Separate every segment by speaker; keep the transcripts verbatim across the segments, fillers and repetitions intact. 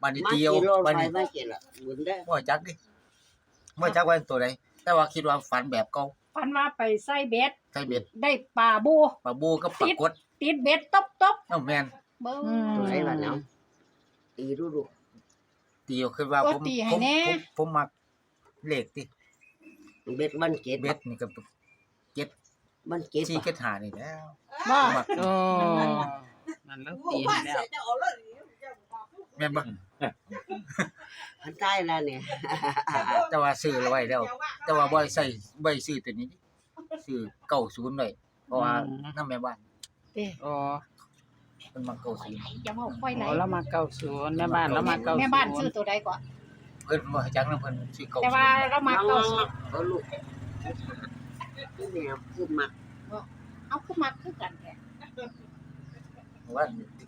Speaker 1: ปานนี้เดียวปานนี้บ่จักดิบ่จักว่าตัวใดแต่ว่าคิดว่าฝันแบบเก่า
Speaker 2: ฝันว่าไปใส่เบ็ด
Speaker 1: ใส่เบ็ด
Speaker 2: ได้ปลาบู
Speaker 1: ปลาบูกับปลากด
Speaker 2: ติดเบ็ดตบตบ
Speaker 1: เอ้าแม่น
Speaker 2: เบิ่ง
Speaker 3: ตัวไหนล่ะเนาะตีดูดู
Speaker 1: เดียวคือว่าผมผมผมมักเลขติ
Speaker 3: เบ็ดมันเกต
Speaker 1: เบ็ดนี่ก็เจ็ด
Speaker 3: มันเกต
Speaker 1: สี่เจ็ดห้านี่แล้ว
Speaker 2: บ่
Speaker 1: มัก
Speaker 4: โอ้นั่นแล้วตีให้แล้ว
Speaker 1: แม่นบ่
Speaker 3: มันตายแล้วเนี่ย
Speaker 1: แต่ว่าซื้อไว้แล้ว แต่ว่าบ่ได้ใส่บ่ได้ซื้อตัวนี้ซื้อเก้าสิบไว้เพราะว่านำแม่บ้าน
Speaker 2: เด้
Speaker 4: โอ้
Speaker 1: เพิ่นมักเก้าสิบ
Speaker 2: อย่าเว้าค่อยไหล
Speaker 4: โอ้เรามาเก้าศูนย์แม่บ้านเรามาเก้าศูนย์
Speaker 2: แม่บ้านซื้อตัวใดก่อน
Speaker 1: เพิ่นบ่จักนำเพิ่นซื้อเก้าสิบ
Speaker 2: แต่ว่าเรามาเก้าสิบ
Speaker 3: เอาลูกนี่แมวคือมัก
Speaker 2: เอาคือมักคือกันแท้
Speaker 1: ว่า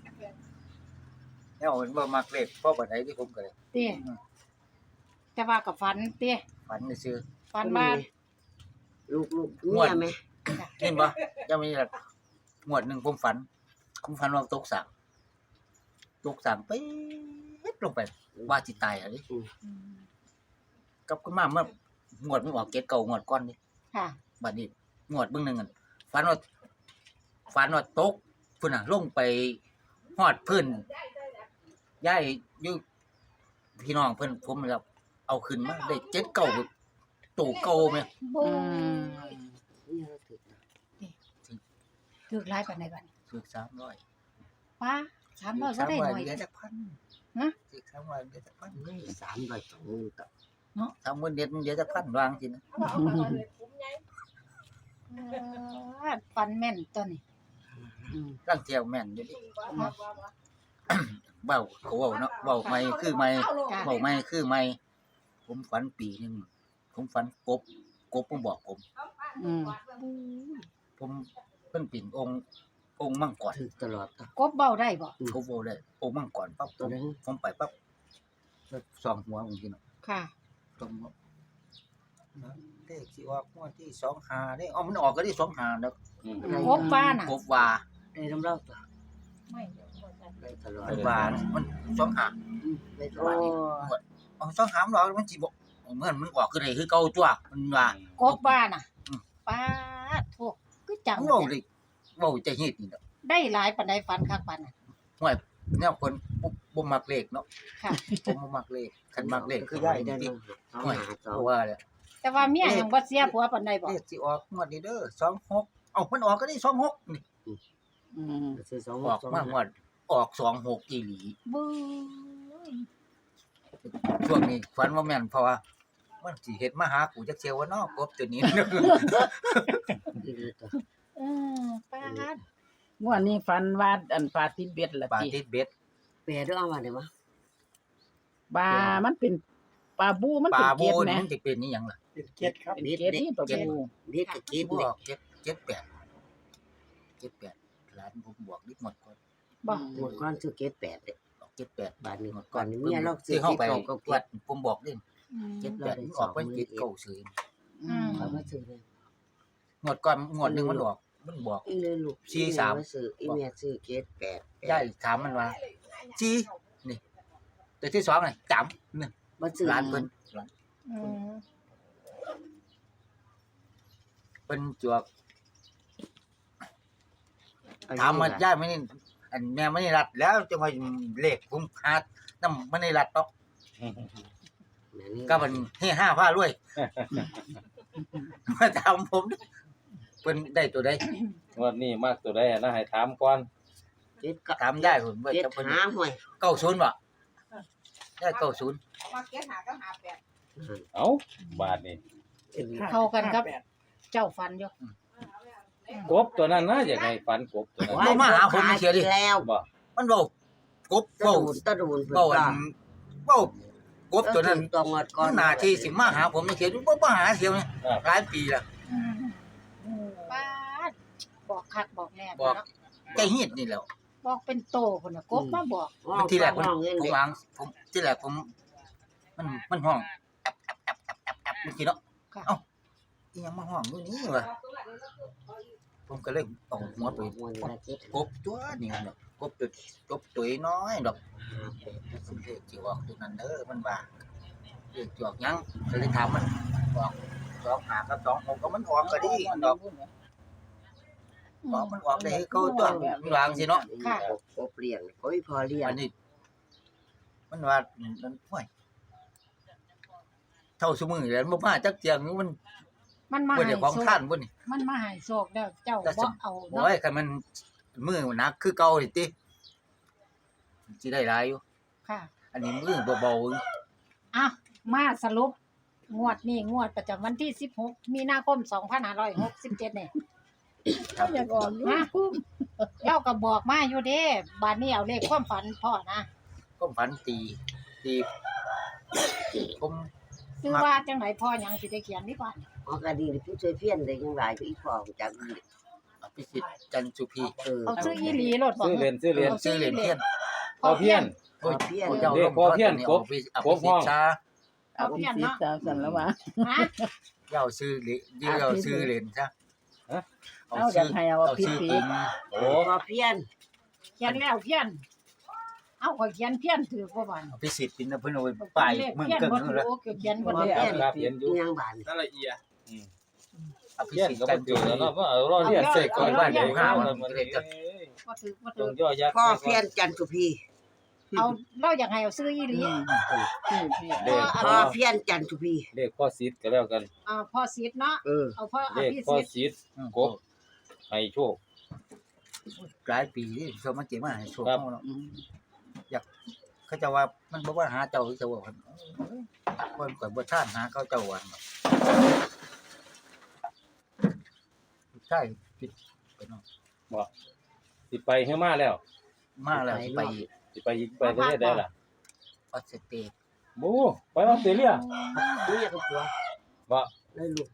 Speaker 1: แล้วเห็นบ่มักเลขเพราะบัดใดที่ผมก็ได้
Speaker 2: เด้แต่ว่ากับฝันเด้
Speaker 1: ฝันซื่อ
Speaker 2: ฝันว่า
Speaker 3: ลูกลูกเมียไหม
Speaker 1: เห็นบ่ยังมีละงวดหนึงผมฝันผมฝันว่าตกสระตกสระไปลงไปว่าสิตายอะดิ
Speaker 2: อืม
Speaker 1: กลับขึ้นมาเมื่องวดมันออกเกตเก่างวดก่อนนี่
Speaker 2: ค่ะ
Speaker 1: บัดนี้งวดเบิ่งหนึงอั่นฝันว่าฝันว่าตกพุ่นน่ะลงไปฮอดพื้นย้ายอยู่พี่น้องเพิ่นผมแล้วเอาขึ้นมาได้เจ็ดเก่าตู่เก่าแม่
Speaker 2: บ่
Speaker 4: อืม
Speaker 3: นี่เราถือ
Speaker 2: ถูกหลายปานใดบัดนี้
Speaker 1: ถูกสามร้อย
Speaker 2: ป้าสามร้อยบ่ได้หน่อย
Speaker 1: เหลือจักพัน
Speaker 2: ฮะ
Speaker 1: ถูกสามร้อยเหลือจักพัน
Speaker 3: ไม่สามใบสองต่อ
Speaker 1: สามหมื่นเด็ดมันเหลือจักพันวางสินะ
Speaker 2: เออฝันแม่นตัวนี้
Speaker 4: อืม
Speaker 1: ตั้งเที่ยวแม่นอยู่ดิเว้าก็เว้าเนาะเว้าใหม่คือใหม่
Speaker 2: จ้ะ
Speaker 1: เว้าใหม่คือใหม่ผมฝันปีหนึงผมฝันกบกบมันบอกผม
Speaker 4: อืม
Speaker 1: ผมเพิ่นเป็นองค์องค์มังกร
Speaker 3: ถือตลอด
Speaker 2: กบเบ้าได้บ่
Speaker 1: เขาโว้ได้องค์มังกรปั๊บผมผมไปปั๊บสองหัวองค์ที่เนาะ
Speaker 2: ค่ะ
Speaker 1: ตรงเลขสิออกงวดที่สองห้าเด้อ๋อมันออกก็ที่สองห้าแล้ว
Speaker 2: กบฟ้าน่ะ
Speaker 1: กบว่า
Speaker 3: ได้น้ำเล่าต่อ
Speaker 2: ไม่
Speaker 3: ได้ตลอด
Speaker 1: มันว่ามันสองห้า
Speaker 3: ได้ต
Speaker 4: โอ้
Speaker 3: ลอด
Speaker 1: อ๋อสองห้ามันออกมันสิบ่เหมือนมันออกคือได้คือเก่าตัวมันว่าก
Speaker 2: บฟ้าน่ะ
Speaker 1: อืม
Speaker 2: ป้าดโทษคือจัง
Speaker 1: เว้าเลยเว้าจะเฮ็ดนี่เนาะ
Speaker 2: ได้หลายปานใดฝันคักปานน่ะ
Speaker 1: ห้วยแนวคนบ่บ่มักเลขเนาะ
Speaker 2: ค่ะ
Speaker 1: ผมบ่มักเลขคันมักเลขคือยาย
Speaker 3: ได้
Speaker 1: นี่
Speaker 3: สอง
Speaker 1: ห้วย
Speaker 3: หาสอ
Speaker 1: เพ
Speaker 3: ง
Speaker 1: ราะว่าแล้ว
Speaker 2: แต่ว่าเมียยังบ่เสียผัวปานใดบ่
Speaker 1: เลขสิออกงวดนี้เด้อสองหกเอ้ามันออกก็ได้สองหกนี่
Speaker 4: อืม
Speaker 3: ซื้อสอง
Speaker 1: ออกมางวดออกสองหกอีหลี
Speaker 2: บึ้ย
Speaker 1: ช่วงนี้ฝันว่าแม่นเพราะว่ามันสิเฮ็ดมาหากูจักเที่ยวว่าเนาะกบตัวนี้
Speaker 2: เออป้าด
Speaker 4: งวดนี้ฝันว่าอันปลาติดเบ็ดละ
Speaker 1: ปลา
Speaker 4: ติ
Speaker 1: ติดเบ็ด
Speaker 3: แปรด้วยเอามาได้ปะ
Speaker 4: ปลามันเป็นปลาบูมัน
Speaker 1: ป
Speaker 4: เป็
Speaker 1: ลาน
Speaker 4: เกล็ด
Speaker 1: บู
Speaker 4: แหม
Speaker 1: นี่มันสิเป็นนี่หยังล่ะ
Speaker 5: เป็นเจ็ดครับ
Speaker 4: เป็นเกล็ดนี่ตัวบู
Speaker 3: เด็ดกับกิน
Speaker 1: บ
Speaker 3: เนี่
Speaker 1: อย กเจ็ดเจ็ดแปดเจ็ดแปดหลานผมบวกนิดหมดก่อน
Speaker 2: บ่
Speaker 3: หมดก้อนซื้อเกตแปดเลย
Speaker 1: บอกเจ็ดแปด
Speaker 3: บาทหนึง
Speaker 1: หมด
Speaker 3: ก่
Speaker 1: ก่
Speaker 3: อ
Speaker 1: อน น
Speaker 3: นี้เมียเราซื้
Speaker 1: ที่
Speaker 3: อ
Speaker 1: เฮา
Speaker 3: เก
Speaker 1: ไป
Speaker 3: ตเก่าก็เก
Speaker 1: วัด
Speaker 3: ต
Speaker 1: ผมบอกเด้
Speaker 2: อืม
Speaker 1: เจ็ดแปดมันออกไปเจ็ดเก้าซื้อ
Speaker 4: อืม
Speaker 3: เขาก็ซื้อเลย
Speaker 1: หมดก่อนหมดนึงมันบอกมันบอก
Speaker 3: อีเลยลูก
Speaker 1: สี่สาม
Speaker 3: ซื้ออีเมียซื้อเกตแปด
Speaker 1: ยายถามมันว่าจีนี่ตัวที่สองนี่จำนี่
Speaker 3: บ่ซื้อ
Speaker 1: หลานเพิ่นหลาน
Speaker 2: อืม
Speaker 1: เพิ่นจวกถามมายายไม่นี่อันแม่ไม่ได้รัดแล้วจะมาเลขผมหาน้ำไม่ได้รัดเนาะก็มันเฮ้ห้าผ้ารวยมาถามผมเพิ่นได้ตัวใด
Speaker 5: งวดนี้มากตัวใดนะให้ถามก่อน
Speaker 3: เกตก็
Speaker 1: ถามยายผมว่า
Speaker 3: เกต
Speaker 1: จะเพิ่น
Speaker 3: หาห่วย
Speaker 1: เก้าศูนย์บ่ได้เก้าศูนย์
Speaker 6: มาเก็ตหาก็หาแปด
Speaker 5: เอ้าบาทนี่
Speaker 2: เข้ากันกับเจ้าฟันอยู่
Speaker 5: กบตัวนั้นนะอยากให้ฝันกบตัวนั้น
Speaker 1: บ่มาหาผมเสียดิ
Speaker 3: แล้ว
Speaker 5: บ่
Speaker 1: มันเว้ากบ
Speaker 3: ตะ
Speaker 1: เว้า
Speaker 3: ดูนตะดูน
Speaker 1: เว้าอันเว้ากบตัวนั้น
Speaker 3: ตัวงอดก่อ
Speaker 1: มัน นหน้าที่สิมาหาผมเสียดิบ่มาหาเสียเนี่ยหลายปีแล้ว
Speaker 2: ป้าดบอกคักบอกแน่
Speaker 1: บอก
Speaker 2: เนาะ
Speaker 1: ใจฮีดนี่แหล้ว
Speaker 2: บอกเป็นโตพุ่นน่ะกบมาบอก
Speaker 1: ทีแรกผม
Speaker 3: ห้องเงิน
Speaker 1: ผม
Speaker 3: เด็ก
Speaker 1: วางผมที่แรกผมมันมันห้องแอบแอบแอบแอบแอบแอบเมื่อกี้เนาะเอ้าอีหยังมาห้องอยู่นี่วะผมก็เลยเอาหัวไป
Speaker 3: มวนละเจ็ด
Speaker 1: กบตัวนี่เนาะกบตัวกบตัวน้อยดอกสิเลขสิออกตัวนั้นเด้อมันว่าเลขสิออกหยังก็เลยถามมันออกสองห้ากับสองหกก็มันออกก็ดีดอกออกมันออกได้ให้เขาตัวมันวางสิเนาะ
Speaker 3: กบเลี้ยงโอ้ยพอเลี้ยง
Speaker 1: อันนี้มันว่ามันห่วยเท่าซุมื้อแล้วบ่มาจักเที่ยงมัน
Speaker 2: มันมา
Speaker 1: บ่
Speaker 2: ให้
Speaker 1: ได้ของ
Speaker 2: โชค
Speaker 1: ท่านบ่นี่
Speaker 2: มันมาให้โชคแล้วเจ้าบ่เอา
Speaker 1: โอ้
Speaker 2: เนาะ
Speaker 1: ยคันมันมือมันหนักคือเก่านี่ติสิได้หลายอยู่
Speaker 2: ค่ะ
Speaker 1: อันนี้มือเบาๆ
Speaker 2: อ่ะมาสรุปงวดนี้งวดประจำวันที่สิบหกมีนาคมสองพันห้าร้อยหกสิบเจ็ดเนี่ย
Speaker 4: อยากออกอยู่
Speaker 2: ฮะเล่าก็บอกมาอยู่เด้บาดนี้เอาเลขความฝันพ่อนะ
Speaker 1: ก็ฝันตีตีผม
Speaker 2: คือว่าจังไหนพ่อหยังสิได้เขียนดีกว่า
Speaker 3: อ๋อก็ดีผู้ช่วยเพี้ยนได้ยังหลายอยู่อีพอจัก
Speaker 1: อภิสิทธิ์จันทร์สุพี
Speaker 3: เออ
Speaker 2: เอาซื้ออีหลีโลดบ่
Speaker 5: ซื้อเรียนซื้อเรียน
Speaker 1: เอาชื่อเหรียญเทียน
Speaker 5: พอเพี้ยน
Speaker 1: โอ้ย
Speaker 3: เพี้ยน
Speaker 1: โอ้ยเจ้า
Speaker 5: เรียกพอเพี้ยนกบ
Speaker 1: อภิ
Speaker 5: กบ
Speaker 1: สิ
Speaker 5: ห้
Speaker 1: ท
Speaker 5: อง
Speaker 1: ธิ์ชา
Speaker 2: เอา
Speaker 4: เอา
Speaker 2: เพี้ยน
Speaker 4: สิ
Speaker 2: เนาะ
Speaker 4: สาวสันแล้วว่า
Speaker 2: ฮะ
Speaker 1: เจ้าชื่อเหรียญเจ้าชื่อเหรียญซะ
Speaker 4: เอาอยากให้เอา
Speaker 1: เอา
Speaker 4: ผิด
Speaker 1: ชื่อ
Speaker 4: ผิ
Speaker 1: จริ
Speaker 4: ด
Speaker 1: ง
Speaker 5: โอ้
Speaker 3: พอเพี้ยน
Speaker 2: เขียนแล้วเพี้ยน เอาก็เขียนเพี้ยนถือบ่บัน
Speaker 1: อภิสิทธิ์เป็นเพิ่นเอาไปป้ายเมือง
Speaker 2: เพี้ยน
Speaker 1: เกิง
Speaker 2: บ่
Speaker 1: นู่
Speaker 2: ถื
Speaker 1: น
Speaker 2: อ
Speaker 1: แล้ว
Speaker 2: โอ้เขียนบ่
Speaker 3: พอ
Speaker 2: ได้
Speaker 3: เพี้ยน
Speaker 5: ครับเรียนอยู่
Speaker 3: ยังบาน
Speaker 6: นั่นละเอียด
Speaker 5: อืม
Speaker 1: อภิ
Speaker 5: เพี้ยน
Speaker 1: สิทธิ์
Speaker 5: ก็
Speaker 1: จั
Speaker 5: บ่
Speaker 1: นทร์
Speaker 5: ถื
Speaker 1: สุ
Speaker 5: อ
Speaker 1: พี
Speaker 5: แล้วเนาะว่าเอาเราเรียนเสกก่อนบ้านเดี๋ยวห้าวันมันเลยจะ
Speaker 2: บ่ถือบ่
Speaker 5: ต้
Speaker 2: ถื
Speaker 5: อ
Speaker 2: อง
Speaker 5: ย่อยักษ์
Speaker 3: พ่อเพี้ยนจันทุพี
Speaker 2: เอาเราอยากให้เอาซื้ออีหลี
Speaker 4: อืมพี่พี่
Speaker 5: เลข
Speaker 3: พ่อเพี้ยนจันทุพี
Speaker 5: เลขพ่อซิดก็แล้วกัน
Speaker 2: อ่าพ่อซีดเนาะ
Speaker 3: เออ
Speaker 2: เอาพ่ออ
Speaker 5: เลข
Speaker 2: ภิ
Speaker 5: พ่อ
Speaker 2: สิทธิ์
Speaker 5: ซิดกบให้โชค
Speaker 1: หลายปีนี่เขามาเก็บมาให้โชค
Speaker 5: ครับ
Speaker 1: เฮาเนาะ
Speaker 4: อืม
Speaker 1: เขาจะว่ามันบ่ว่าหาเจ้าเจ้าว่าเพิ่นเพิ่นก็บ่ท่านหาเขาเจ้าวันเนาะใช่ผิดไปเนาะ
Speaker 5: บ่สิไปให้มาแล้ว
Speaker 1: มาแล้วสิไป
Speaker 5: สิไปอีกไปประเทศใดล่ะ
Speaker 1: ออสเตรเลีย
Speaker 5: โอ้ไปออสเตรเลีย
Speaker 3: รู้อยากกับผัว
Speaker 5: บ่
Speaker 3: เลยลูก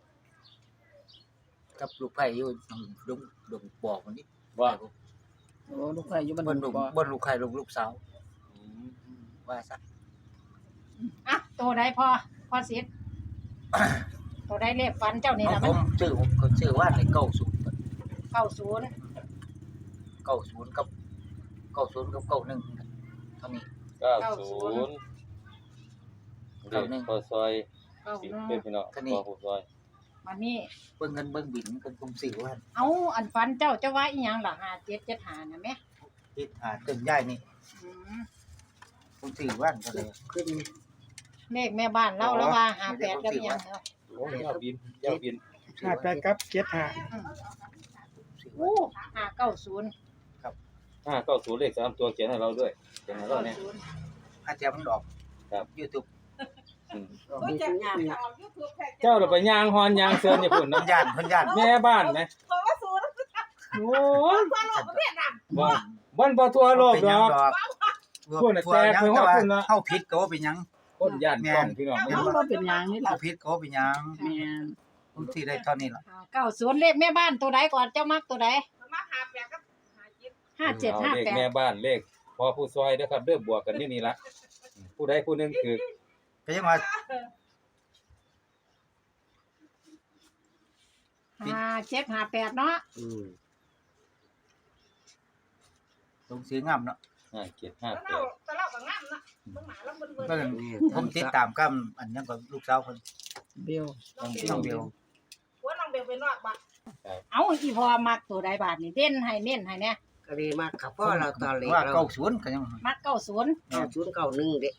Speaker 1: กับลูกไผ่อยู่ดงดงปอกมันนี่
Speaker 5: บ่
Speaker 4: โอ้ลูกไผ่อยู่บ้าน
Speaker 1: บน
Speaker 4: ดุ
Speaker 1: ดง
Speaker 4: บ่
Speaker 1: บนลูกไผ่ลูกลูกสาว
Speaker 5: อืม
Speaker 1: ว่าซะ
Speaker 2: อ่ะตัวใดพ่อพ่อซีดตัวใดเลขฝันเจ้านี่
Speaker 1: ของ
Speaker 2: ล่ะ
Speaker 1: ผ
Speaker 2: มัน
Speaker 1: มชื่อผมก็ชื่อว่าในเก้าศูนย์
Speaker 2: เก้าศูนย์
Speaker 1: เก้าศูนย์กับเก้าศูนย์กับเก้าหนึ่งเท่านี้
Speaker 5: เก้าศูนย์เลขพ่อซอย
Speaker 2: เก้า
Speaker 5: สิ
Speaker 2: หนึ่ง
Speaker 5: เป็นพี่น้องพ่อผู้ซอย
Speaker 2: มันนี่
Speaker 1: เบิ่งเงินเบิ่งบินกันผมซื้อว่า
Speaker 2: เอาอันฝันเจ้าจะว่าอีหยังล่ะห้าเจ็ดเจ็ดห้าน่ะแม่
Speaker 1: ที่หาเติมย่ายนี่
Speaker 2: อืม
Speaker 1: ผมซื้อว่าก็เลย
Speaker 3: ขึ้น
Speaker 2: เลขแม่บ้านเราแล้วว่าห้าแปดกับอีหยังเนาะ
Speaker 5: โอ้ยยาวบินยาวบิน
Speaker 6: ห้าแปดกับเจ็ดห้า
Speaker 1: ซื้อว่า
Speaker 2: อู้ห้าเก้าศูนย์
Speaker 5: ห้าเก้าศูนย์เลขสามตัวเขียนให้เราด้วยเขียนให้เรา
Speaker 2: เก้า
Speaker 5: เนี่ย
Speaker 2: ศูนย์
Speaker 1: อาจจะมันออก
Speaker 5: ครับ
Speaker 1: YouTube
Speaker 5: อืม
Speaker 3: มีสัญญาณนะ
Speaker 5: เจ้าเราไปย่างฮอนย่างเซินญี่ปุ่น
Speaker 1: เพิ่
Speaker 5: นะ
Speaker 1: นย่านเพิ่นย่าน
Speaker 5: แม่บ้านไหมโอ้ยบ่บ่นบ่ทั่วโลก
Speaker 1: เป็น
Speaker 5: ด
Speaker 1: หยัง
Speaker 5: อก
Speaker 1: ดอก
Speaker 5: พวกน่ะแตกไปฮอดพุ่นน่ะ
Speaker 1: เฮาผิดก็ว่าเป็นหยัง
Speaker 5: คนย่านกล้องพี่น้อง
Speaker 4: มันบ่เป็นหยังนี่ล่ะ
Speaker 1: เฮาผิดก็ว่าเป็นหยัง
Speaker 4: แม่น
Speaker 1: ผมที่ได้เท่านี้ล่ะ
Speaker 2: เก้าศูนย์เลขแม่บ้านตัวใดก่อนเจ้ามักตัวใดห้าเจ็ด
Speaker 5: เอา
Speaker 2: ห้า
Speaker 5: เลข
Speaker 2: แปด
Speaker 5: แม่บ้านเลขพอผู้ซอยเด้อครับเด้อบวกกันอยู่นี่ละผู้ใดผู้หนึงคือ
Speaker 1: ก็ยังว่า
Speaker 2: ห้าเจ็ดห้าแปดเนาะ
Speaker 3: อืม
Speaker 1: ลงซื้องามเนาะ
Speaker 5: ห้าเจ็ดห้าแปด
Speaker 1: ก็เลยผมติดตามกับอันนั้นก็ลูกสาวเพิ่น
Speaker 4: เบล
Speaker 1: น้องเบล
Speaker 2: เอาอีพอมักตัวใดบาทนี่เด่นให้เน้นให้เนี่ย
Speaker 3: ก็เลยมากับพ่อเราตอนเล็ก
Speaker 1: ว่า
Speaker 3: เรา
Speaker 1: เก้าศูนย์ก็ยัง
Speaker 2: มักเก้าศูนย์
Speaker 3: เก้าศูนย์เก้าหนึ่งเด็ก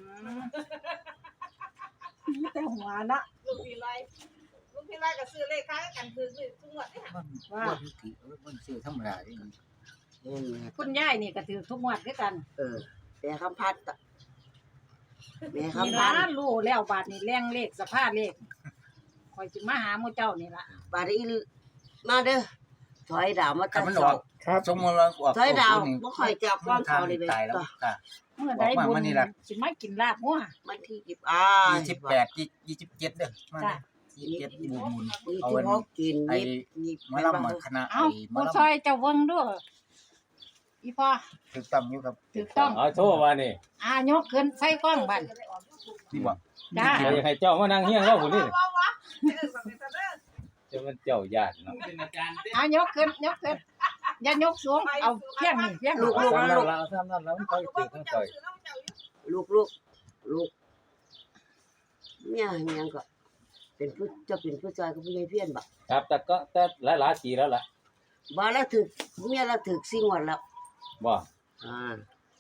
Speaker 2: แต่หัวเนาะ
Speaker 7: ลูกพี่ไล่ลูกพี่ไล่ก็ซื้อเลขค้ายกันคือซื้อทุกงวดนี่ค่ะ
Speaker 1: ว่าว่าวิธีเออมันซื้อธรรมดาที่มัน
Speaker 3: เออ
Speaker 2: คุณยายนี่ก็ถือทุกงวดด้วยกัน
Speaker 3: เออแม่คำพัดอะแม่
Speaker 2: นี่
Speaker 3: คำพั
Speaker 2: ร้า
Speaker 3: ด
Speaker 2: นรู้แล้วบาทนี่แรงเลขสภาพเลขคอยสิมาหาหมู่เจ้านี่ล่ะ
Speaker 3: บาดนี้มาเด้อถอยดาวมา
Speaker 1: ถ้า
Speaker 3: ตั้ง
Speaker 1: มัน
Speaker 3: ส
Speaker 1: อ
Speaker 3: อ
Speaker 1: อง กสมมุติว่าออก
Speaker 3: ถอยดาว
Speaker 1: นี่
Speaker 3: บ่ค่อยจับก้อนเขาเลยเด้
Speaker 1: ตายแล้ว
Speaker 3: อ
Speaker 1: ค่ะ
Speaker 2: เมื่อใด
Speaker 1: บอก
Speaker 2: บุ
Speaker 1: ว่า
Speaker 2: ญ
Speaker 1: มันนี่ล่ะ
Speaker 2: สิมากินลาบงัว
Speaker 3: มันที่สิบอ่า
Speaker 1: ยี่สิบแปดยี่สิบเจ็ดเด้อมา
Speaker 2: จ้ะ
Speaker 1: ยี่สิบเจ็ดบุญบุญ
Speaker 3: นี่
Speaker 1: เอา
Speaker 3: ที่
Speaker 1: อัน
Speaker 3: เขากิน
Speaker 1: ไอ้
Speaker 3: นี่นี่
Speaker 1: หมอลำหมอคณะไอ้
Speaker 2: เอ้า
Speaker 1: หมอ
Speaker 2: ผู้
Speaker 1: ลำ
Speaker 2: ช่วยเจ้าเบิ่งด้วยอีพ่อ
Speaker 1: ถูกต้องอยู่ครับ
Speaker 2: ถูกต้อง
Speaker 5: เอาโทษว่านี่
Speaker 2: อ่ายกขึ้นใส่กล้องบัด
Speaker 1: นี่บอก
Speaker 2: จ้า
Speaker 5: อยากให้เจ้ามานั่งเฮียงเราผู้นี้
Speaker 7: ว้าวว้าวเออแบบนี้ซะเด้อ
Speaker 5: จะมันเจ้าญาติเนาะ
Speaker 2: เอายกขึ้นยกขึ้นอย่ายกสูงเอาเพียงนี่เพียง
Speaker 3: ลู
Speaker 2: นี่
Speaker 3: ก
Speaker 5: ซ้ำนั่นแล้วซ้ำนั่นแล้วมันไปถึงทั้งต่อย
Speaker 3: ลูกลูกลูกเมียยังก็ เป็นผู้จะเป็นผู้ชายกับผู้ใหญ่เพี้ยนบ่
Speaker 5: ครับแต่ก็แต่หลายๆปีแล้วล่ะ
Speaker 3: บ่แล้วถึกเมียเราถึกสิ่งวันแล้ว
Speaker 5: บ่
Speaker 3: อ่า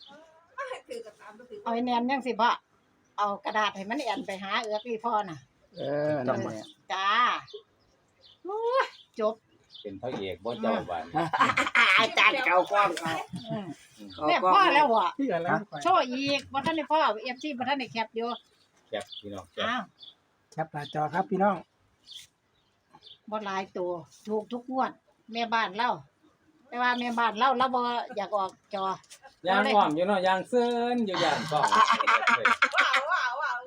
Speaker 2: เอาไอ้แนนยังสิบ่เอากระดาษให้มันแอนไปหาเอือกอีพ่อน่ะ
Speaker 4: เออนั่นแหละ
Speaker 2: จ้าโอ้ยจบ
Speaker 5: เป็นพระเอกบ่เจ้าบ้าน
Speaker 3: อาจารย์เก่ากล้องเขา
Speaker 2: อืม
Speaker 3: เขา
Speaker 2: แม่
Speaker 3: กล้อง
Speaker 2: พ่อแล้วบ่
Speaker 4: ที่อะไร
Speaker 2: โชว์อีกบ่ทันได้พ่อ เอฟ ซี บ่ทันได้แคปอยู่
Speaker 5: แซ่บพี่น้องแซ่บ
Speaker 2: อ้าว
Speaker 4: แคปหน้าจอครับพี่น้อง
Speaker 2: บ่หลายตัวถูกทุกงวด แม่บ้านเล่าแต่ว่าแม่บ้านเล่าเราบ่อยากออกจอ
Speaker 5: ยางอ้อมอยู่เนาะยางเซินอยู่ย่านกล้อง
Speaker 7: ว้าวว้าวว้าว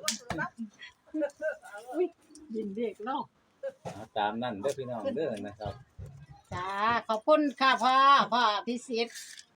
Speaker 2: ยินเด็กเล่า
Speaker 5: เอาตามนั่นเด้อพี่น้องเด้อนะครับ
Speaker 2: จ้าขอบคุณค่ะพ่อพ่อพิสิทธิ์